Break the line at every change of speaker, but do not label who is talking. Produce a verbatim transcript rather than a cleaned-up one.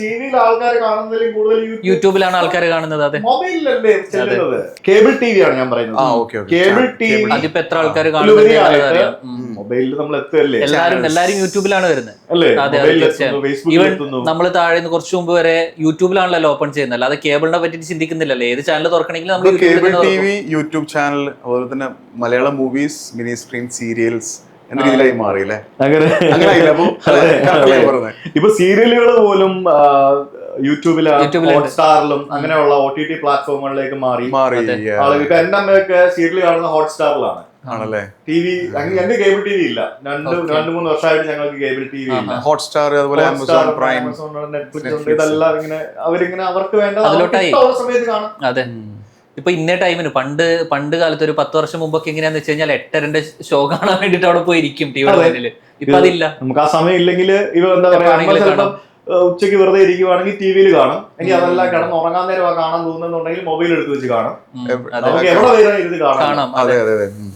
ടിവിയിൽ ആൾക്കാർ കാണുന്നതിലും കൂടുതൽ
യൂട്യൂബിലാണ് ആൾക്കാർ കാണുന്നത്. അതെ,
മൊബൈലിലല്ലേ ചെല്ലുന്നത്. കേബിൾ ടി വി ആണ് ഞാൻ പറയുന്നത്. കേബിൾ ടി വി
അതിപ്പോ എത്ര ആൾക്കാർ കാണുന്നത്
മൊബൈലിൽ നമ്മൾ എത്തുകയല്ലേ.
എല്ലാരും എല്ലാരും യൂട്യൂബിലാണ് വരുന്നത്.
അല്ലേ,
ഈവൻ നമ്മൾ താഴെ നിന്ന് കുറച്ചു മുമ്പ് വരെ യൂട്യൂബിലാണല്ലോ ഓപ്പൺ ചെയ്യുന്നത്, അല്ലാതെ കേബിളിനെ പറ്റി ചിന്തിക്കുന്നില്ലല്ലോ. ഏത് ചാനൽ തുറക്കണമെങ്കിലും നമ്മൾ
cable T V, YouTube channel, അതുപോലെ തന്നെ Malayalam movies, mini screen serials എന്ന രീതിയിലായി മാറിയില്ലേ.
ഇപ്പൊ സീരിയലുകൾ പോലും യൂട്യൂബിലും ഹോട്ട്സ്റ്റാറിലും അങ്ങനെയുള്ള ഒ ടി ടി പ്ലാറ്റ്ഫോമുകളിലേക്ക് മാറി. ആളുകൾ ഇപ്പൊ എന്റെ അമ്മയൊക്കെ സീരിയൽ കാണുന്ന ഹോട്ട്സ്റ്റാറിലാണ്.
ആണല്ലേ.
ടി വി ഞങ്ങൾക്ക് കേബിൾ ടി വി ഇല്ല. രണ്ട് രണ്ട് മൂന്ന് വർഷമായിട്ട് ഞങ്ങൾക്ക് കേബിൾ ടി വി ഇല്ല.
ഹോട്ട്സ്റ്റാർ, അതുപോലെ ആമസോൺ പ്രൈം,
നെറ്റ്ഫ്ലിക്സ് ഉണ്ട്. ഇതെല്ലാം ഇങ്ങനെ അവരിങ്ങനെ അവർക്ക് വേണ്ട സമയത്ത് കാണും.
അതെ, ഇപ്പൊ ഇന്ന ടൈമിന് പണ്ട് പണ്ട് കാലത്ത് ഒരു പത്ത് വർഷം മുമ്പൊക്കെ എങ്ങനെയാന്ന് വെച്ച് കഴിഞ്ഞാൽ എട്ടരന്റെ ഷോ കാണാൻ വേണ്ടിട്ട് അവിടെ പോയി ഇരിക്കും ടിവിയുടെ മുന്നില്. ഇപ്പൊ അതില്ല.
നമുക്ക് ആ സമയം ഇല്ലെങ്കിൽ ഇവ എന്താ പറയാ, ഉച്ചയ്ക്ക് വെറുതെ ഇരിക്കുവാണെങ്കിൽ ടി വിയിൽ കാണും. എനിക്ക് അതെല്ലാം കിടന്ന് ഉറങ്ങാൻ നേരം കാണാൻ തോന്നുന്നുണ്ടെങ്കിൽ മൊബൈൽ എടുത്ത് വെച്ച് കാണും. നമുക്ക് എവിടെ വരെ ഇരുന്ന് കാണാം.
അതെ അതെ അതെ